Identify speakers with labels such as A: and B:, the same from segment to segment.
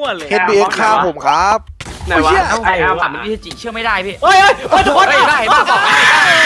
A: วเลย
B: HBX ฆ่าผมครับ
C: ไหนวะ
A: ไอ้แบบมันพี่จิเชื่อไม่ได้พี่
D: เฮ้ยทุกคน
A: ได้บ้าบอกได้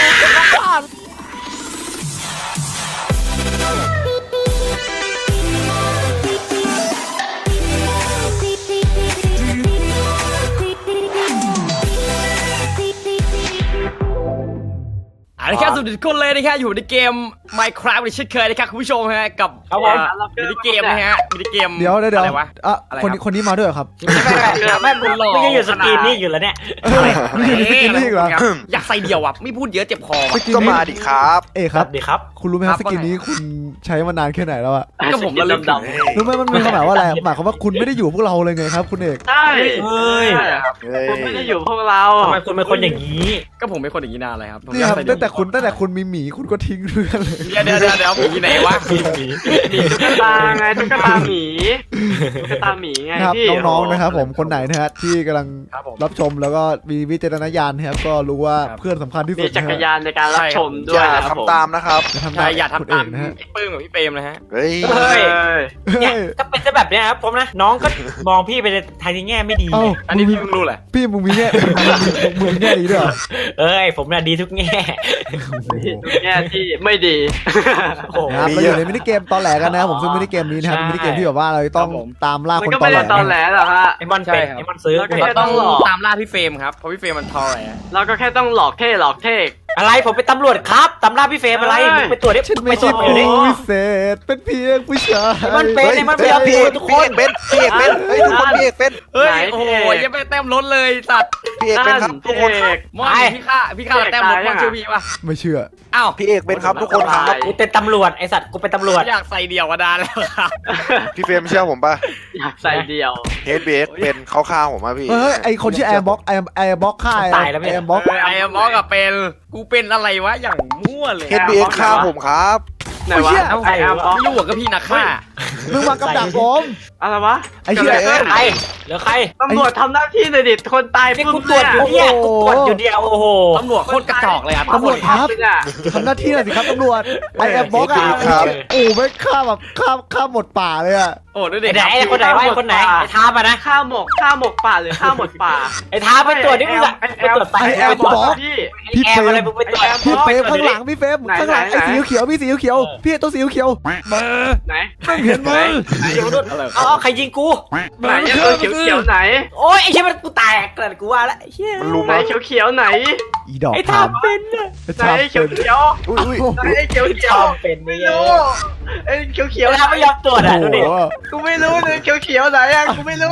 A: นะครับสวัสดีทุกคนเลยนะครับอยู่ในเกม Minecraft เช่นเคยนะครับคุณผู้ชมฮะกับมินิเกมนะฮะมินิเกม
E: เดี๋ยว
A: อะไรวะ
E: คนนี้มาด้วยเหรอครับ
A: แม่คุณหล่อ
D: ไม่ยังอยู่สกรีนนี่อยู่แล้วเนี่ย
E: ไม่อยู่ในสกินนี่อีกเหรอ
A: อยากใส่เดี่ยวอ่ะไม่พูดเยอะเจ็บคอ
E: สกิน
B: ก็
E: นี้
B: มาดิครับ
E: ครับ
D: ดีครับ
E: คุณรู้ไหมครับสกินนี้คุณใช้มานานแค่ไหนแล้วอะ
A: ก็ผมระลึกถึง
E: รู้ไหมมันมีความหมายว่าอะไรหมายความว่าคุณไม่ได้อยู่พวกเราเลยไงครับคุณเอก
C: ใช่
D: เฮ้ย
C: คุณไม่ได้อยู่พวกเรา
D: ทำไมคุณเป็นคนอย่างนี้
A: ก็ผมเป็นคนอย่างนี้นานเลยครับ
E: นี่ครับตั้งแต่คุณมีหมีคุณก็ทิ้งเรื่องเลย
A: เดี๋ยวมีไหนวะ
C: ตุ๊กตาไงตุ๊กตาหมีตุ๊กตาหมีไง
E: ครับ
C: พี่
E: น้องๆนะครับผมคนไหนนะฮะที่กำลังรับชมแล้วก็มีวิจารณญาณนะครับก็รู้ว่าเพื่อนสำคัญที่สุ
C: มี
E: ด
C: จักรยานในการรับชมด้
B: อ
C: วย
B: ย่า
C: นะครับผม
B: ทำตามนะครับ
E: ทำ
A: ใช่
E: ได้
A: อย่า
E: คุณ
A: ทำตาม
E: เอกนะฮะ
A: พี่ปื้มกับพี่เปรมนะฮะ
B: เฮ้ย
D: เฮ้ย
E: เฮ้
D: เนี่ย
E: ย
D: ก็เป็นแบบเนี้ยครับผมนะน้องก็มองพี่ไปในทางที่แง่ไม่ดี
E: เอ้า
A: อันนี้พี่เพิ่งรู้แหละ
E: พี่มึงมีแง่มึงแง่ดีด้วยเหรอ
D: เอ้ยผมน่ะดีทุกแง่
C: แง่ที่ไม่ดี
D: โอ้โห
E: ครับเราอยู่ในมินิเกมตอนแหลกันนะครับผมซึ่งมินิเกมนี้นะครับเป็นมินิเกมที่แบบว่าเราต้องตามล่า
C: มัน
E: คน
C: ก็
E: ตอ
C: ไม่
E: นแหล
C: ได้ตอนแหลหรอกฮะ
D: ไอ้มอนเป็นไอ้มอนซื้อ
C: แล้วก็
D: กูเห็
A: เรา
D: น
A: ต้องตามล่าพี่เฟรมครับเพราะพี่เฟรมมันทอแหล
C: เราก็แค่ต้องหลอกเท่หลอกเท่
D: อะไรผมเป็นตำรวจครับตำราพี่เฟรมอะไรมึงไปตรวจดิ
E: ฉัน
D: ไป
E: ไม่
D: ตร
E: ใช่
D: วจอยู่ดิ
E: ผู้พิเศษเป็นเพียงผู้ชาย
D: ไอ้มันเป็นไอ้มันเป็น
B: พี่
D: ทุกค
B: เอน กเป็นพี่เอกเป็นเฮ้ยทุกคนพี่เอกเป็น
A: เฮ้ยโอ้โหยังไม่แต้มล้นเลยสัตว์
B: พี่เอกเป็นครับทุกคน
A: มอนพี่ฆ่าแต้มล้นมอนเชื่อพี่ป่ะ
E: ไม่เชื่อ
A: อ้าว
B: พี่เอกเป็นครับทุกคนครับ
D: กูเป็นตำรวจไอสัตว์กูเป็นตำรวจ
A: อยากใส่เดี่ยวมานานแล้วครับ
B: พี่เฟรมเชื่อผมป่ะ
C: อยากใส่เดียว
B: HBX เป็นเขาฆ่าผมป่ะพี่
E: เฮ้ยไอคนชื่อแอร์บ็อกแอร์บ็อกค่ายแอร์บ็อก
A: ไอ้มอกับเป็นกูเป็นอะไรวะอย่างมั่วเลย
B: HBX ฆ่าผมครับ
C: ไหนวะไอ้อาร์บ็อก
A: ไม่รู้ก็พี่นักฆ่า
E: มึงมากับดักผม
C: อะไรวะ
E: ไอ้เหี้ย
D: ใครเหลือใคร
C: ตำรวจทำหน้าที่หน่อยดิคนตาย
D: นี่
C: ปุ๊
D: กู
C: บ
D: ตรวจอยู่
C: เนี่ย
D: เนี่ยกูตรวจอยู่เดียวโอ้โห
A: ตำรวจโคตรกระจอกเลยครับ
E: ตำรวจครับ
C: เนี่ย
E: ทำหน้าที่หน่อยสิครับตำรวจไอแอร์บ็อกอะโอ้ไม่ฆ่าแบบฆ่าหมดป่าเลยอะ
A: โอ้ด้วยเด็
D: ไอ้ไหนไอ้คนไหนวะไอ้คนไหนไอ้ท้ามานะ
C: ข้าวหมกป่าหรือข้าวหมดป่า
D: ไอ้ท้าไปตรวจดิมึงอะไปตรวจไป
E: ไอแอร์
D: ไปตรวจ
E: บ็อก
C: พี่
E: พี่
D: แอ
E: เฟร
D: มอะไร
E: ม
D: มึงไปตรวจ
E: พี่เฟรมข้างหลังพี่เฟรมข้างหลังไอสีเขียวพี่สีเขียวพี่ตัวสีเขียวมา
C: ไหน
E: ไม่เห็นมั้ย
D: เอาใครยิงกู
C: ไหนเขียวไหน
D: โอ้ยไอ้เชี่ยมันกูแตกเกิดกูว่าละไอ้เชี่ย
B: มันรู้
C: ไหน
B: มั้ย
C: เขียวไหน
E: อีดอก
D: ไอ้ท้าเป็นอะ
C: ไหนเขียว
B: อุ้ย
C: ไหนเขียว
D: ชอบเป็น
C: ไม่
D: ไม่
C: รู้ไอ้เขียว
D: ไอ้ท้าไม่ยอมตรวจอ่ะดูดิ
C: กูไม่รู้เลยเขียวไหนอ่ะกูไม่รู้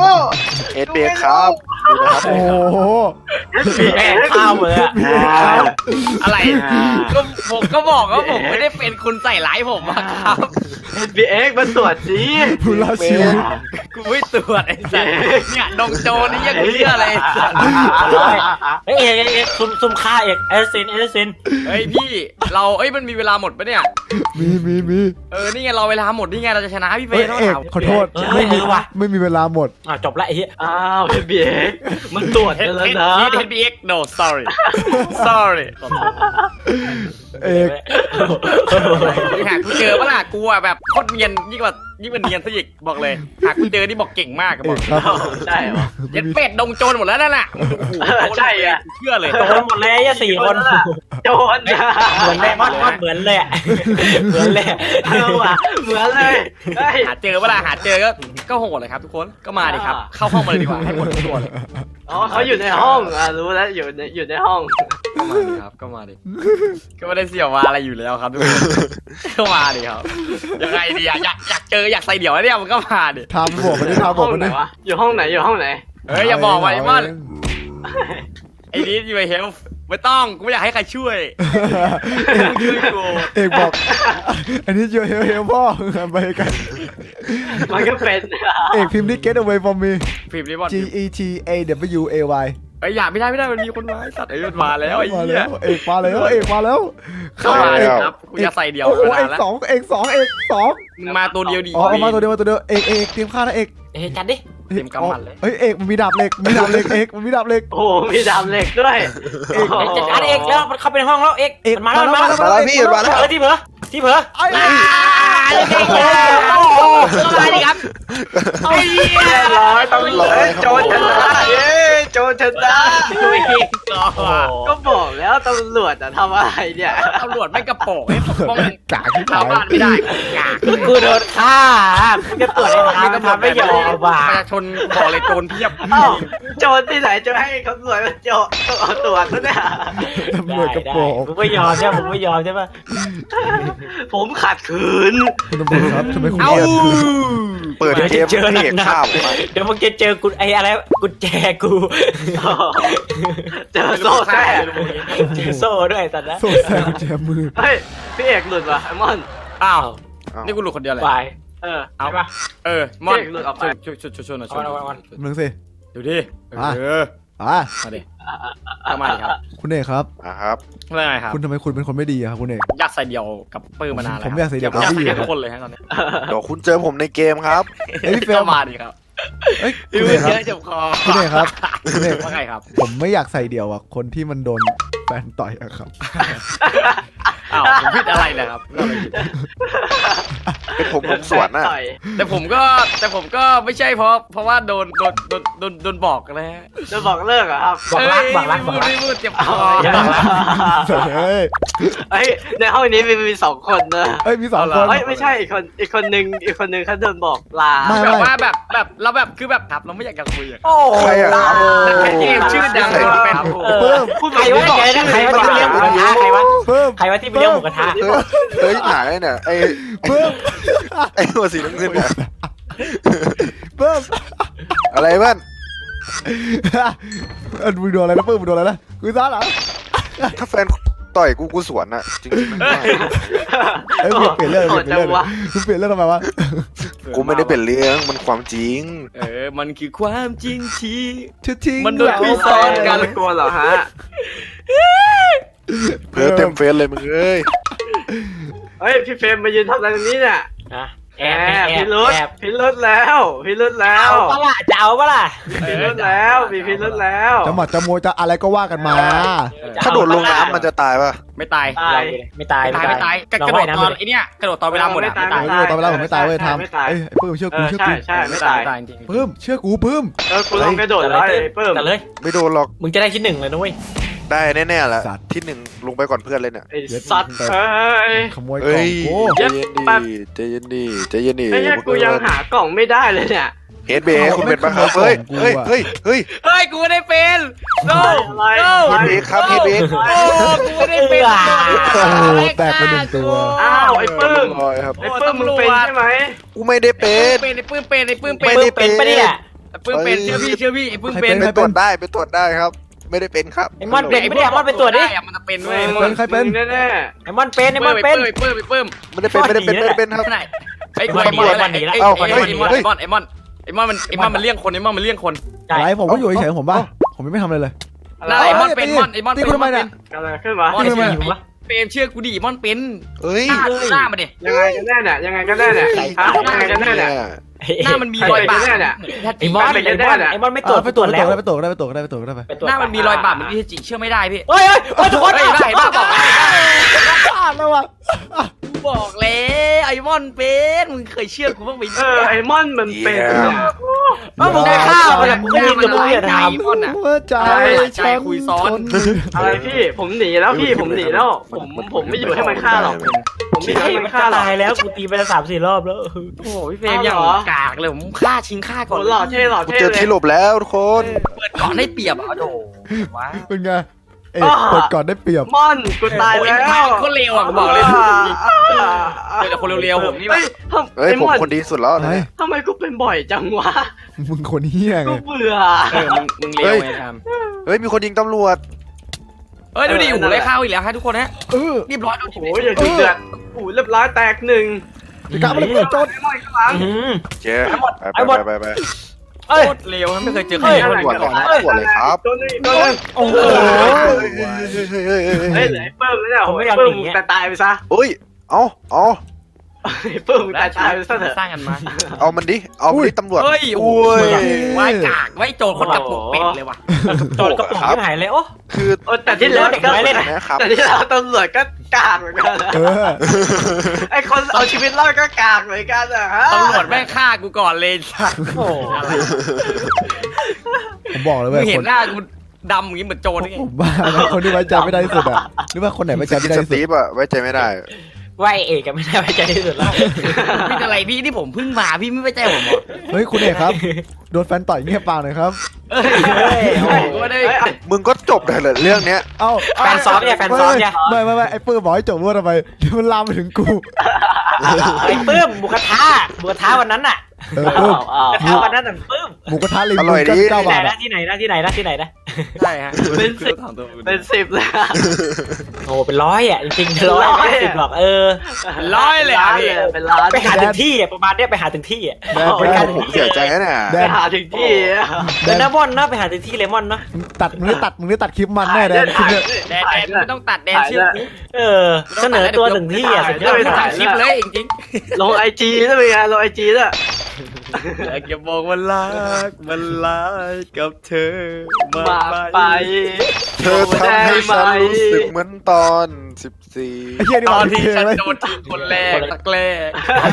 B: HBX ครับดูนะครับ
E: โอ้โห
D: แอบข้าวเลยอะ
A: อะไรก็ผมก็บอกว่าผมไม่ได้เป็นคุณใส่ร้ายผมอะครับ
C: HBX มาตรวจสิ
E: ผู้รอดชีวิต
A: กูไม่ตรวจไอ้สัสเนี่ยดงโจนี่ยังเชื่ออะไรสัส
D: เฮ้ยเอกซุ่มฆ่าเอกเอลิซิน
A: เฮ้ยพี่เรามันมีเวลาหมดปะเนี่ย
E: มี
A: นี่ไงเราเวลาหมดนี่ไงเราจะชนะพี่เฟ
E: เอ้
A: ย์
E: ย
A: ต้อง
E: เอก
A: ถาม
E: ขอโทษไม่มีเวลาหมด
D: จบละไอ้เหี้ย
C: อ้าว HBX มันตรวจกันแล้วนะ
A: HBX no sorry sorry
E: เอก
A: หากกูเจอปะล่ะกูอะแบบโคตรเนียนยิ่งกว่าเนียนซะอีกบอกเลยหากกูเจอนี่บอกเก่งมากอะ
E: เอบ
A: อก
E: กครับ
C: ใช่เหรอ
A: เย็ดเป็ดดงโจรหมดแล้วนั่นน่ะ
C: ใช่อะ
A: เชื่อเลย
D: โดนหมดเลยไอ้4 คน
C: โจร
D: เหมือนแม่มอดเหมือนเลยเหมือนเลย
C: ว่ะเหมือนเลย
A: หาเจอปะล่ะหาเจอก็โหดเลยครับทุกคนก็มาดิครับเข้าห้องมาเลยดีกว่าให้หมดทุกตัวเลย
C: อ๋อเขาอยู่ในห้องรู้แล้วอยู่ในห้อง
A: ก็มาดิครับก็มาดิก็ไม่ได้เสี่ยวมาอะไรอยู่แล้วครับทุกคนก็มาดิครับยังไงดีอะอยากเจออยากใส่เดี่ยวแล้วเนี่ยมันก็มาดิ
E: ทำบวกมันดิทำบวกมันดิ
C: วะอยู่ห้องไหนอยู่ห้องไหน
A: เฮ้ยอย่าบอกว่าไอ้มันไอ้นี้อยู่ไอ้เฮลไม่ต้องกูไม่อยากให้ใครช่วยช่วยกู
E: เอกบอกอันนี้เจอเฮลพ่อไปกัน
C: มันก็เป็น
E: เอกพิมพ์ที่ get away from me
A: ฟิล์มนี้บอล
E: G E T A W A Y
A: ไอ้อย่าไม่ได้มันมีคนมาไอ้สัตว์มันมาแล้วไอ้
E: มา
A: เหี้
E: แล้
A: ยว
E: เอกมาแล้ว
A: เข้ามาดิครับกูจะใส่เดี่ยว
E: โอ้โห
A: มานานแล้ว
E: เอกสอง
A: มึงมาตัวเดียวดี
E: อ๋อมาตัวเดียวเอกเตรียมฆ่านะเอก
D: จัดดิ
A: เต็มกำมันเลย
E: เฮ้ยเอกมันมีดาบเหล็กเอกมันมีดาบเหล็ก
C: โอ้มีดำเหล็กด้วย
D: จัดการเอกแล้วมันเข้าไปในห้องแล้วเอกมันมาแล้ว
B: มาแล้วพี่มาแล้ว
D: ที่เผลอที่เผลอ
E: ไอ้
A: อะไรดีครับไอ้เหี้ย
C: เรียบร้อยตำรวจโจรชนะเย้โจรชนะ
A: ไม่เก่งหรอก
C: ก็บอกแล้วตำรวจทำอะไรเนี่ย
A: ตำรวจไม่กระโปรงให้ปกป้อง
E: กากที่
A: ชาว
E: ขาย
A: บ้านไม่ได้กาก
D: กูโดนฆ่ากูจะตรวจในทางทำไม่ยอม
A: ป
D: ว่ะ
A: ระชาชนบอกเลยโจรเพียบ
C: เอ้าโจรที่ไหนจะให้ตำรวจมาโจรตรวจซะเนี่ย
E: ตำรวจกระโปรง
D: มึงไม่ยอมใช่มึงไม่ยอมใช่ปะ
C: ผมขัดขืน
E: คุณตำรวจครับทำไมคุณ
A: เอ้า
E: เรียก
B: เปิดเกมพี่เอกฆ่าผมอะ
D: เดี๋ยวมึงจะเจอกูไอ้อะไรกุญแจกู
C: เจอโซ่แท้
D: เจอโซ่ด้วยตอนนั้น
E: โซ่แซมแจมมือ
C: เฮ้ยพี่เอกหลุดว่ะไอ้มอน
A: อ้าว
B: เอ้า
A: นี่กูหลุดคนเดียวเลย
D: ไป
C: เออ
A: เอา
C: ใช่ปะ
A: มอน
C: เด็กหลุดออกไป
A: ช่วยหน่อยช่วยหน่อย
E: มึงสิ
A: ดูดิ
E: อ่ะ
A: เออ มาดิเอามาดิครับ
E: คุณเอกครับ
B: ครับ
A: เรื่องไงครับ
E: คุณทำไมคุณเป็นคนไม่ดีอะครับคุณเอก
A: อยากใส่เดี่ยวกับปื้มมานานแล้ว
E: ผมอยากใส่เดี่ยวกับ
A: อยาก
E: พี่
A: ใส่
E: อะ
A: ทุกคนเลยฮะตอนนี้
B: เดี๋ยวคุณเจอผมในเกมครับ
E: เอ้ยพี่เฟร
A: ก็
E: ม
A: มาดิครับ
E: เอ้ย
A: พี่
E: คุณ
A: เย
E: เอกครับ
A: อะเจ็บคอ
E: คุณเอกครับคุณเอก
A: ว่าไงครับ
E: ผมไม่อยากใส่เดี่ยวอะคนที่มันโดนแฟนต่อยอะครับ
A: อ้าวผมผิดอะไรนะครับเราไม่ผิด
B: เป็นผมสวนน่ะ
C: ต่อย
A: แต่ผมก็ไม่ใช่เพราะว่าโดนบอกนะฮะ
C: จะบอกเลิกเหรอครับ
D: บอกรักบอกรักบอกรัก
A: ไม่พูดเจ็บคอ
E: เฮ้ย
C: เฮ้ยในห้องนี้มีสองคนนะ
E: เอ้ยมีสองคน
C: เฮ้ยไม่ใช่อีกคนนึงเขาโดนบอกลา
E: ไม่
A: แบบว่าแบบเราแบบคือแบบครับเราไม่อยากจะคุยอะ
D: โอ้
B: ใครอะครับ
A: แต่เกมชื่อดังเป็น
E: เพิ่ม
C: พูด
D: ใครวะใครวะใครวะที่ไปเลี้ยงหมูกระทะใครวะ
E: เพิ่ม
D: ใครวะที่ไปเลี้ยงหมูกระทะ
B: เฮ้ยหายเนี่ยไอ้
E: เพิ่ม
B: ไอ้หัวสีน้ำเงินเนี่ย
E: เพิ่ม
B: อะไรบ้าน
E: มึงโดนอะไรนะเพิ่มมึงโดนอะไรนะกูซ่าเหรอ
B: ถ้าแฟนต่อยกูสวนน่ะจริงๆนะ
E: เอ้ยเปลี่ยนเรื่องเปลี่ยนเรื่องมึงเปลี่ยนเรื่องทำไมวะ
B: กูไม่ได้เป็นเรื่องมันความจริง
A: มันคือความจริงที่
E: ชื่อทิ้ง
A: มันโดนพี่ซ้อนกัน
C: ไม่กลัวเหรอฮะ
B: เพื่อเต็มเฟซเลยมึงเอ้ย
C: เฮ้ยพี่เฟรมมายืนทำอะไรตรงนี้เนี่ย
D: นะ
C: แอบพิรุษพิรุษแล้วพิรุษแล้
D: เอา
C: ว
D: ปะล่ะจะเอาปะล่ะ
C: พิรุษแล้วมีพิรุษแล้ว
E: จะหมัดจะมวยจะอะไรก็ว่ากันมา
B: ถ้าโดดลงน้ำมันจะตายป่ะ
A: ไม่ตาย
C: ตาย
D: ไม่ตาย
A: ไม่ตายกระโดดตอนไอเนี้ยกระโดดตอนเวลาหมดอะ
C: ไม่
A: ไม่
C: ตา
A: ตาย ย
E: ตอนเวลาผมไม่ตายเว้ยทำ
C: ไม่ตาย
E: เอ้ยเพิ่มเชื่อกูเชื่อกู
C: ใช่ไม่ตาย
A: ตายจริง
E: เพิ่มเชื่อกูเพิ่ม
C: กูลองกระโดดแล้วไอ้เพิ่ม
D: แต่เลย
B: ไม่โดนหรอก
D: มึงจะได้ที่หนึ่งเลยนะเว้ย
B: ได้แน่ๆแหละที่หนึ่งลงไปก่อนเพื่อนเลยเนี่ย
C: ไอ้สัตว์เอ้ย
E: ขโมยกล่
B: เฮ้
E: อง
B: ย
E: กู
B: ใจเย็นดีใจเย็นดีใจเย็นดี
C: ไอ้เนี่ยกูยังหากล่องไม่ได้เลยเนี่ย
B: เฮดเบย์คุณเป็นปะครับเฮ้ยเฮ้ยเฮ้ยเฮ้ย
A: เฮ้ยกูไม่ได้เป็น no
C: อะไร
A: no
B: เฮดเบย์ครับเฮดเบย์
A: โอ้กูไม่ได้เป็น
E: โอ้โหแตกไปหนึ่งตัว
C: อ้าวไอ้ปึ้ง
B: ลอยครับ
C: ไอ้ปึ้งมึงเป็นใช่ไหม
B: กูไม่ได้เป็น
A: เป็นไอ้ปื้มเป็นไอ้ปื้ม
B: ไม่
A: เป็น
B: ได้
D: เป็นปะเนี่ย
A: ไอ้ปื้มเป็นเชื่อพี่ไอ้ปื้มเป็น
B: ไปตรวจได้ไปตรวจได้ครับ ไม่ได้เป็นครับ
D: ไอ้มอนเป็นปะเนี่ยมอนไปตรวจดิ
A: มันจะเป็นเว้ย
C: แน่
D: ไอ้มอนเป็นไอ้มอนเป็น
A: ไอ้ปื้ม
B: ไม่ได้เป็นไม่ได้เป็นไม่ได้เป็นครับ
A: ไหนไอ้
D: มันหนีแล้วมันหนีแล้ว
A: ไอ้มอนมันเลี้ยงคนไอ้มอนมันเลี้ยงคน
E: อะไรผมก็อยู่เฉยๆผมป่ะผมไม่ทำอะไรเลย
C: อะไร
A: ไอ้มอนเป็นมอนไอ้มอน
E: ตี
A: เป็น
E: กูทำไมเนี่ย
C: อะไรขึ้นมา
A: มอน
D: ไอ้
A: เป็น
D: หิวปะ
A: เปรมเชื่อกูดิมอนเป็น
B: เอ้ย
A: หน้ามันดิ
C: ยังไงกันแน่เนี่ยยังไงกันแน่เนี่ยฮะยังไงกันแน่เนี่ย
A: หน้ามันมีรอยบาด
D: ไอ้มอนไอ้มอนไม่ตรวจ
E: ไปตรวจ
D: แล้ว
E: ไปตรวจได้ไปตรวจได้ไปตรวจได้ไป
D: ไปตรวจ
A: หน้ามันมีรอยบาดเหมือนที่จิเชื่อไม่ได้พี่
D: เฮ้ยทุกคน
A: ได้บ้าบอก
E: พลาดแล้วว่ะ
A: บอกแล้วไอ้มอนเป็นมึงเคยเชื่อกูบ้างไหม
C: ไอ้มอนมันเป็น
D: มึงได้ข้าวมันกูยินกับมึงอย่าถาม
A: มอนอ่ะ
E: หัวใจ
A: ใจคุยซ้อน
C: อะไรพี่ผมหนีแล้วพี่ผมหนีแล้วผมไม่อยู่ให้มันฆ่าหรอกผมไม่อยู่ให้มันฆ่าหรอก
D: ตายแล้วกูตีไปแล้ว3-4 รอบแล้ว
A: โอ้พี่เฟรมอย่างกากเลยผมฆ่าชิงฆ่าก่อน
C: หล่อเท่หล่อ
B: กู
C: เท่
B: เจอ
C: เลย
B: ที่หลบแล้วทุกคน
A: เปิดก่อนได้เปรียบอ่ะโอ้ว้า
E: เป็นไงเอกเปิดก่อนได้เปรียบ
C: มอนกูตายแล้ว
A: คนเลวอ่ะบอกเลยแต่คนเร็วๆผมนี่แบบ
B: เฮ้ยผมคนดีสุดแล้ว
E: ไอ้
C: ทำไมกูเป็นบ่อยจังวะ
E: มึงคนเฮี้ยไง
C: กูเบื่อ
A: มึงเลวไงทำ
B: เฮ้ยมีคนยิงตำรวจ
A: เฮ้ยดูดิหูไล่ข้าวอีกแล้วฮะทุกคนฮะ
E: เออ
A: เรียบร้อย
C: โอ้ยอย่าจุดเดือดโอ้เรียบร้อยแตกหนึ่ง
E: จะกลับมาเลยโจทย์
C: ไอ้มอนข้างหลัง
B: เจ๊ไป
D: เอ้ย
A: โคตรเลวไม่เคยเจอใคร
B: ตำรวจก่อนนะตำรวจเลยครับ
C: ตัวนึงตัวนึง
E: โอ้โห
C: เฮ้ยเหลือไอ้เปิ้มแล้วเนี่ยโอ้ยเปิ้มมึงตายไปซะ
B: เฮ้ยเอา
C: ไอ้เปิ้มมึงตายไปซะเถอะ
A: สร้างกันมา
B: เอามันดิเอามันดิตำรวจ
A: เฮ้ยโอ้
B: โอ้ย
A: ไว้กากไว้โจรคนกระปุกเป็ดเลยว่ะ
D: โจรกระปุกที่หายเลยโอ้
B: คือ
C: แต่ที่แล้ว
D: เด็กน้อยเล่น
B: นะครับ
C: แต่ที่แล้วตำรวจก็กากเหมือนกันนะ
E: เออ
C: ไอคนเอาชีวิตรอดก็กากเหมือนกันอะฮะ
A: ตำรวจแม่งฆ่ากูก่อนเลยสัตว์
D: โอ้
E: ผมบอกเลย
A: มึ
E: เว้ย
A: งเห็
E: คน น
A: หน้ากูดำอย่างงี้เหมือนโจรนี่ไง
E: ผมว่านะคนที่ไว้ใจไม่ได้ที่สุดอะหรือว่าคนไหนไว้ใจ
B: กิ
E: ไม่
B: น
E: ได้
B: ส
E: ที่สุ
B: ตี
E: ด
B: ฟอะไว้ใจไม่ได้
D: ไหวเอกก็ไม่ได้ไว้ใจที่สุดแล้ว
A: พี่อะไรพี่ที่ผมเพิ่งมาพี่ไม่ไว้ใจผมเหรอ
E: เฮ้ยคุณเอกครับโดนแฟนต่อยเงียบปากหน่อยครับ
A: เอ้ยโอ้โหกูไม่ได้
B: มึงก็จบเลยเหรอเรื่องเนี้ย
E: เอ้า
D: แฟนซ้อมเนี่ยแฟนซ้อมเนี่ย
E: ไม่ไอ้ปื้มบอกให้จบว่าทำไมเดี๋ยวมันลามไปถึงกู
D: ไอ้ปื้มหมูกระทะวันนั้นน่ะ
E: เออปื้ม
C: อ้าว
D: กระทะวันนั้นน่ะปื้ม
E: หมูกระทะลิง
B: อร่อยดี
E: เก้า
D: ที่ไหน
E: บาท
D: นะ
E: อะ
D: ที่ไหนนะที่ไหนนะที่ไหนนะ
A: ใช่ฮะ
C: เป็นสิบ
A: ถามตัวมึง
C: เป็น10เลยอะ
D: โอ้เป็นร้อยอ่ะจริงๆเป็นร้อย
C: ร้อย
D: ไม่สิบหรอก
A: ร้อยเลยอ่ะพี่
C: เป็นล้าน
D: ไปหาถึงที่อ่ะประมาณเนี้ยไปหาถึงที่อ่ะ
E: แดน
D: เป็น
E: แด
D: การ
E: น
B: ผมเสียใจนะเนี่ย
E: แด
C: ไป
E: น
C: หาถึงที่อะ
D: เป็นน้ำมอนนะไปหาถึงที่เลมอนเนาะ
E: มึงได้ตัดคลิปมันแน่แดนคลิปเนี่ย
A: แดนไม่ต้องตัดแดนเชื่อกู
D: เออเสนอตัวถึงที่อ่ะสุดย
A: เดี๋ย
D: อ
A: ว
D: ด
A: พี่ถ่ายคลิปเลยจริง
C: ลงไอจีได้ไหมลงไอจีด้วย
A: ๆอยากจะบอกว่ารักมันรักกับเธอ
C: มาไป
B: เธอทำให้ฉันรู้สึกเหมือนตอน14
E: ไอ้เหี้ยนี่
A: ต
E: มั
A: อน
E: น
A: ที่
E: เพลง
A: ฉัน
E: อะไร
A: โดนทีคนแรกตักแรก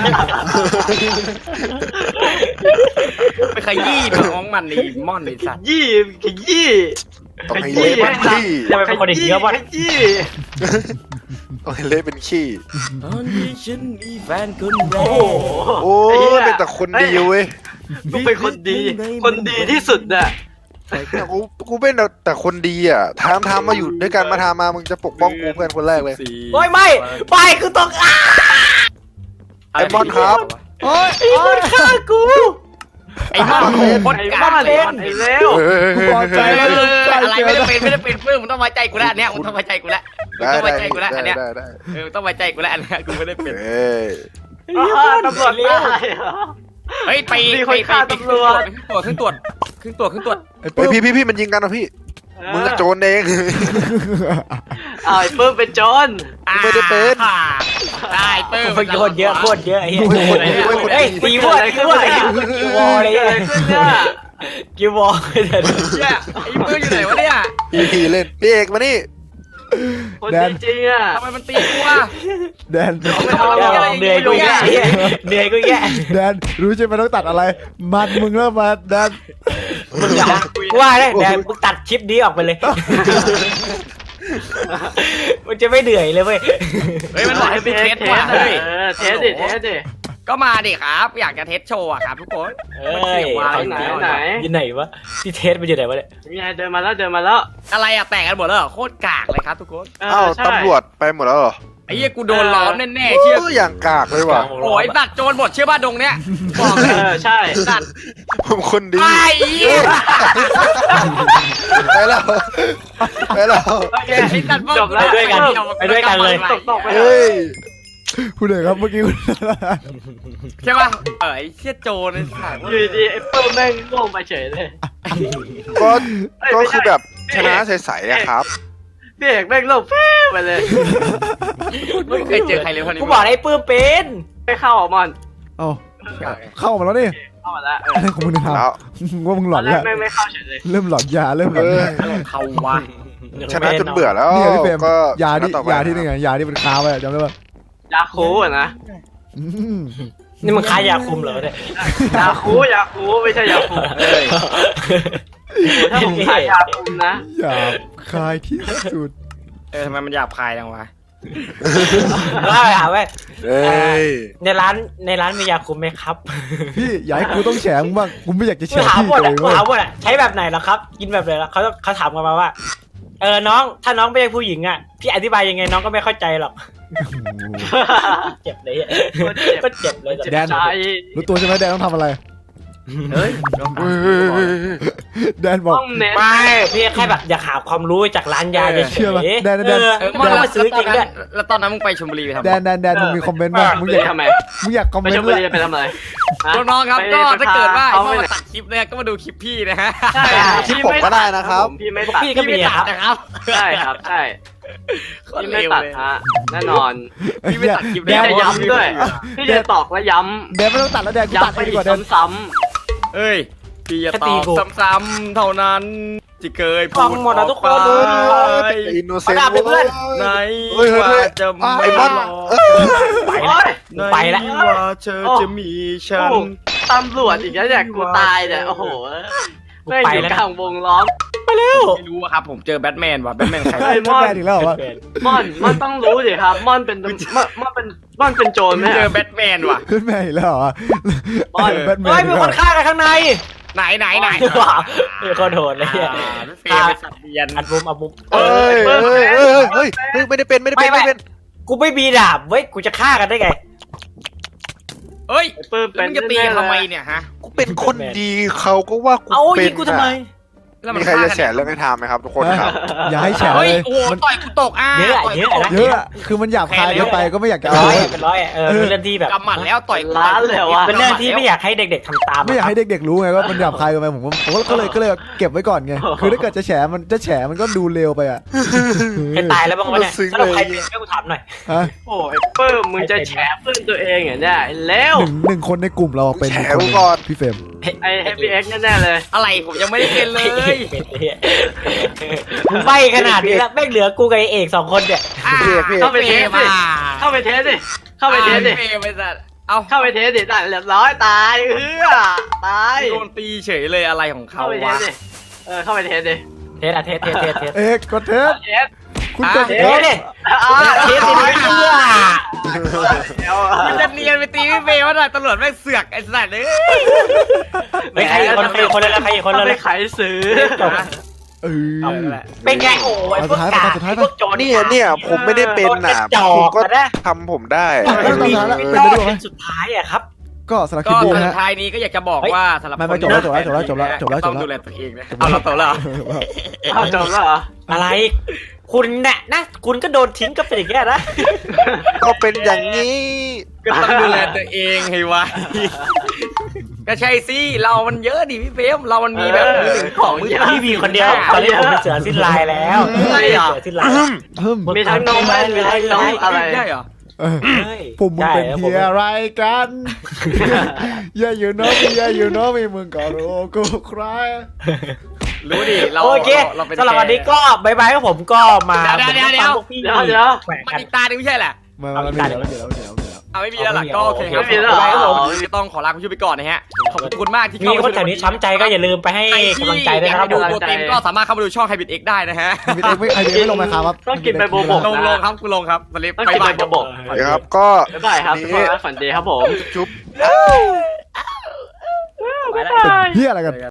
A: ไปขยี้น้องมันในม่อนในสัตว์
C: ยี่ขยี้
B: ต้องให้เละเป็นขี้
D: จะเป็นคนอย่างนี้ก็ว่า
C: ขยี้
B: ต้องให้เละเป็นขี้
A: ตอนที่ฉันมีแฟนคนแร
C: โอ้
A: ก
C: โห
B: โอ้ยเป็นแต่คนดีเว้ย
C: กูเป็นคนดี คนดีที่สุดน่ะ
B: เนี่ยกูเป็นแต่คนดีอ่ะทำมาอยู่ด้วยกันมาทำมามึงจะปกป้องกูเพื่อนคนแรกเลย
D: โอ้ยไม่คือตก
B: ไอ้บอลครับ
E: โอ้ย
D: ไอ้คนฆ่ากู
A: ไอ้ม่อนโคตร
C: ไอ้
A: กา
C: บ้าก
A: เลย
C: ไอ้เลว
E: กูพอใจแล้ว
A: อะไรไม่ได้เป็นเพื่อนมึงต้องไว้ใจกูแล้วเนี่ยมึงต้องไว้ใจกูแล้วมึง
B: ได้
A: ต้องไว้
B: ได้
A: ใจกูแล้วอันเนี้ย
B: ได้
A: มึงต้องไว้ใจกูแล้วอันเนี้ยกูไม่ได้เป็น
B: เอ้ย
C: ตำรวจตายเหรอ
A: เฮ้ยไป
C: มีคนฆ่าตำรวจ
A: ขึ้นตรวจ
E: ไอ้
B: เฮ้
E: ปื้
B: ย
E: ม
B: พี่มันยิงกันนะพี่มึงอะโจรเอง
C: อ้าวไอ้ปื้มเป็นโจร
B: ไม่ได้เป็น
A: ได้เปิ้ล
D: โคตรเยอะไอ้เหี้ย
B: โอ้ยคนดี
D: เฮ้ยตีวอลกิววอลเลย
C: เกิดอะไรขึ้นเนี่ย
D: กิววอลเลย
A: เนี่ยไอ้เปิ้ลอยู่ไหนวะเนี่ย
B: พี่เล่นพี่เอกมานี่
C: คนดีจริงอ่ะ
A: ทำไมมันตีกูอ่ะ
E: แดน
D: เหนื่อยกูแย่เหนื่อยกูแย่
E: แดนรู้ใช่ไหมต้องตัดอะไร มันมึงเริ่มมาแดน
D: มึงว่าเลยแดนมึงตัดคลิปนี้ออกไปเลยมันจะไม่เหนื่อยเลยเว้ย
A: เฮ้ยมันบอกให้ไปเทสว่ะ
C: เฮ้
A: เฮ้
C: ย
A: ย
C: เทสดิเทสดิ
A: ก็มาดิครับ อยากจะเทสโชว์อะครับทุกคน
D: เอ้ย
C: ไหน
D: อยู่ไหนวะที่เทสมันอยู่ไหนวะเนี่ย
C: มีไงเดินมาแล้วเดินมาแล้ว
A: อะไรอะแต่งกันหมดแล้วเหรอโคตรกากเลยครับทุกคน
B: อ้าวตำรวจไปหมดแล้วเหรอ
A: ไอ้เหี้ยกูโดนล้อมแน่ๆเชื่อ
B: โอ้ยอย่างกากเลยว่ะ
A: โอ้ยตัดโจรหมดเชื่อป่ะดงเนี้ยบอกเลย
C: ใช่
A: ตัด
B: ผมคนดี
A: ไอ้เหี้ย
B: ไปแล้วไปแล้ว
A: ไอ้ตัด
C: จบแล้ว
D: ไปด้วยกันเลย
C: ตกไปเล
B: เฮ้
C: ย
B: ย
E: คุณเอกครับเมื่อกี้คุณ
A: ใช่ป่ะไอ้เชี่ยโจรไอ้สัตว์
C: อยู่ดีไอ้ปื้มแม่งลงไปเฉยเลย
B: ก็คือแบบชนะใสๆอะครับ
C: พี่เอกแม่งลงแฟ้ไปเลย
A: ไม่เคยเจอใครเลยคนนี้
D: กูบอกไอ้ปื้มเป็น
C: ไม่เข้าอ่ะมอน
E: เอ้าเข้ามาแล้วนี่
C: เข้ามาแล้ว
E: อะไรของมึงเนี่ย
B: แล้ว
E: ว่ามึงหล
C: ตอ
E: อน น
C: แร
E: แล้
C: ก
E: ว
C: แม่งไม่เข้าเฉยเลย
E: เริ่มหลอนยาเริ่มหลอน
B: เออ
E: ยา
A: เขาวะ
B: ชนะจนเบื่อแล้ว
E: นี่ไงพี่เฟรม
B: ก็
E: ยาที่
B: ชนะต่อไป
E: ยาที่นี่ไงยาที่มันค้าไว้อะจำได้ปะ
C: ยาคูอ่ะนะ
E: อืม
D: นี่มึงค้ายาคุมเหรอเนี่ย
C: ยาคูไม่ใช่ยาคู
B: เอ้ย
C: ถ้าผมขายยาคูนะ
E: หยาบคายที่สุด
A: ทำไมมันหยาบคายจังวะ
D: ว่าไปหาเว้ย
B: เอ้ย
D: ในร้านมียาคุมไหมครับ
E: พี่อย่าให้กูต้องแฉมึงบ้างกูไม่อยากจะแฉ
D: กูถาม
E: พี่
D: หมด
E: เล
D: อ่ะ
E: ย
D: กู
E: เว้ย
D: ถามหมดอ่ะใช้แบบไหนเหรอครับ กินแบบไหนล่ะเขาถามกันมาว่าน้องถ้าน้องไม่ใช่ผู้หญิงอ่ะพี่อธิบายยังไงน้องก็ไม่เข้าใจหรอกเจ็บเลยก็เจ็บเลย
C: เจ็บใจ
E: รู้ตัวใช่ไหมแดนต้องทำอะไร
A: เฮ้ย
E: แดนบอก
C: ต้องเน้น
D: ไม่พี่แค่แบบอยากหาความรู้จากร้านยาเฉย
E: เชื่อปะแดน
D: เออแล้วมาซื้อจริงด้วย
A: แล้วตอนนั้นมึงไปชลบุรีไปทำ
E: แดนมึงมีคอมเมนต์บ้างมึงอยาก
C: ทำไม
E: มึงอยากคอม
C: ไป
E: เมน
C: ชล
E: ต์
C: บุ
E: เลย
C: รีไปทำอะไร
A: น้องๆครับก็ถ้าเกิดว่าไอ้
C: เขา
A: พ่อ
C: ไม่
A: มาตัดคลิปเนี่ยก็มาดูคลิปพี่นะฮะ
C: ใช่
B: คลิปผมก็ได้นะครับ
C: พี่ไม่ตัด
D: พี่ก็มีครับ
A: นะครับ
C: ใช่ครับใช่
A: โคตร
C: พี่
A: เร็
C: ไม่
A: ว
C: ตัด
A: เลย
C: ฮะแน่นอน
A: พี่ไม่ตัดคลิป
C: พี่
A: ได้
C: จะย้ำด้วยพี่จะตอกและย้
E: แดนไม่ต้องตัดแล้วแดน
C: ำ
E: กูตัด
C: ย้ำไป
E: ให้ดี
C: อี
E: ก
C: ก
E: ว่าแดน
C: ซ้ำ
A: เอ้ยพี่จะ
D: แค่
A: ต
D: ตี
A: อบ
D: กู
A: ซ้ำๆเท่านั้นที่เคย
D: ฟังหมดอะทุกคน
B: อินโนเซน
D: เอาดาบเลยเพื่อน
A: ใน
B: เฮ้ย
A: ว่าจะไม่
B: ไอ้บอล
D: ไปละ
A: ในว่าเธอจะมีฉัน
C: โอ้ตำรวจอีกแล้วเนี่ยกูตายเนี่ยโอ้โหแม่งอยู่กลางวงล้อม
A: ไม่รู้อะครับผมเจอแบทแมนว่ะแบทแมนใคร
E: ใช่แบทแมนอีกแล้วเหรอวะ
C: ม่อนต้องรู้ดิครับม่อนเป็นโจรไหม
A: เจอแบทแมนว่ะ
E: แบทแมนอีกแล้วเหรอ
C: บอล
E: แบทแม
D: เฮ้
E: น
D: ย
E: อี
D: มี
E: ก
D: ค
E: แล้ว
D: นฆ่ากันข้างใน
A: ไหน
D: ว้าวมีคนโดนเลยเนี่ย
A: เฟย์เป็นสัตว์เลี้ยง
D: อัดมุมอัดมุม
B: เฮ้ยไม่ได้เป็นไม่ได้เป็น
D: กูไม่มีดาบเว้ยกูจะฆ่ากันได้ไง
A: เฮ้ย
C: เปิ้ม
A: แล้ว
C: เป็น
A: มึงจะตีกันทำไมเนี่ยฮะ
B: กูเป็นคนดีเขาก็ว่ากู
D: เอา
B: เป็
D: ยิ
B: น
D: งกูทำไม
A: แล้วมัน
B: มีใครจะแฉเรื่องให้ทำไหมครับทุกคนครับ
E: อย่าให้แฉ
A: เฮ้ย
E: เลย
A: โอ้โห
E: มัน
A: ต่อยกูตกอ่ะ
D: เยอะอะ
A: ต่กู
D: เยอะ
A: ตก
D: อะ
E: เยอะอะคือมันหยาบคายเกินไปก็ไม่อยากจะ
D: เป็น
E: เอา
D: ร้อยเป็นร้อยเป็นเรื่องที่แบบ
A: กำหมัดแล้วต่อย
C: ล้านเลยเหรอวะ
D: เป็นเรื่องที่ไม่อยากให้เด็กๆทำตาม
E: ไม่อยากให้เด็กๆรู้ไงว่ามันหยาบคายเกินไปผมก็เลยเก็บไว้ก่อนไงคือถ้าเกิดจะแฉมันก็ดูเร็วไปอ่ะ
D: ใครตายแล้วบ้างวะเนี่ยสำหรับใครเป็นให้กูถามหน่อย
E: ฮะ
C: โอ้ยเปิ้มมึงจะแฉเพื่อนตัวเองเหรอเนี่ยแล้ว
E: หนึ่งคนในกลุ่มเราเป็น
B: แฉ
E: คนห
B: กู
E: นึ่ง
B: ก่อน
E: พี่เฟรม
C: ไอ้เฮฟวี่เอ็กซ์แน่ๆเลย
A: อะไรผมยังไม่ได้เป็นเลย
D: มึงใบขนาดนี้แล้วแม่งเหลือกูกับไอ้เอก2 คนเนี่ย
C: เข้าไปเทสดิเข้าไปเทสดิเข้าไปเทสดิ
A: เฟย์ไปสัตว์เอา
C: เข้าไปเทสดิตายเรียบร้อยตายตาย
A: โดนตีเฉยเลยอะไรของเขา
C: เข้าไปเทส
A: วะ
C: ดิเข้าไปเทสดิ
D: เทสอะเทส
E: เอกกดเทส
C: เทส
E: คุณกด
D: เท
E: เท
D: ส
E: ส
D: ดิ เทสดิ
A: มันจะเนียนไปตีพี่เฟย์ว่าหน่อยตำรวจแม่งเสือกไอ้สัตว์เลย
D: ไม่ใครอีกคนเลยใครอีกคน
C: เรา
D: เล
C: ไป
D: ย
C: ขายซื้อ
E: เออ
D: เป็นไงโอ้ยพวกกาพวกโจร
B: เนี่ยผมไม่ได้เป็นน่ะ
D: จอ
B: คุณ
D: ก
B: ก็
D: นะ
B: ทำผมได้
E: เป็นสุดท้ายแล้วเป็น
D: ร
E: ไป
D: อด
E: ด้วยไหม
D: เป็นสุดท้ายอะครับ
E: ก็สำหรับค
A: ก็
E: ลิปนี้
A: สุ
E: นะ
A: ด
E: ฮะ
A: ท้ายนี้ก็อยากจะบอกว่าสำหรับ
E: ไม่
A: คน
E: จบแล้ว
A: ต้องดูแลตัวเองนะเอาเราจบแล้วเหรอ
C: เอาจบแล้วเหรอ
D: อะไร คุณเนี่ยนะคุณก็โดนทิ้งก็เป็นอย่างนี้นะ
B: ก็เป็นอย่างนี้
A: ก็ต้องดูแลตัวเองให้ไวก็ใช่สิเรามันเยอะดิพี่เฟมเรามันมีแบบมือหนึ่งของมือ
D: พี่มีคนเดียวตอนนี้ผมเป็นเสือสิ้นลายแล้ว
A: ใช่เหรอ
D: เสือสิ้นลาย
C: มีทั้งน้องแม่มีทั้งน้องอะไร
A: ใช่เหรอ
E: ผมมึงเป็นเฮียอะไรกันอย่าอยู่น้องอย่าอยู่น้องมีมึงก็รู้กูใคร
A: รู้ดิเรา
D: โอเค
A: เราเป็น
D: สำหรับวันนี้ก็บายบายครับผมก็มา
A: เดี๋ยว
C: เดี๋ยว
D: แขวะ
A: มัน
D: กัน
A: อีกตาหนึ่งไม่ใช่แหละ
E: มาเดี๋ยว
A: เอาไม่มีแล้วล่ะก็โอเคครับ
C: ไม่มีแล้ว
A: ครับผม
C: อ๋อ
A: ต้องขอลาคุณผู้ชมไปก่อนนะฮะขอบคุณมากที่
D: มีคนแถวนี้ช้ำใจก็อย่าลืมไปให้
A: ใครที่
D: กำลังใจด้วย
A: อยาก
D: นะครับ
A: ให้ดูตัวเต็มก็สามารถเข้ามาดูช่องไฮบิทเอ็กได้นะฮะ
E: มีเด็กไม่ลงมาครับ
C: ต้องกินใบบัวบก
A: ลงครับคุณลงครับสลิป
C: ต้อง
A: ไป
C: กิน
A: บา
C: ใบ
A: ย
C: บัวบก
B: เดี๋ยวครับก็
C: บ๊ายบายครับทุกคนฝันดีครับผม
B: จุ๊บ
D: ไปแล้ว
E: เฮียอะไรกัน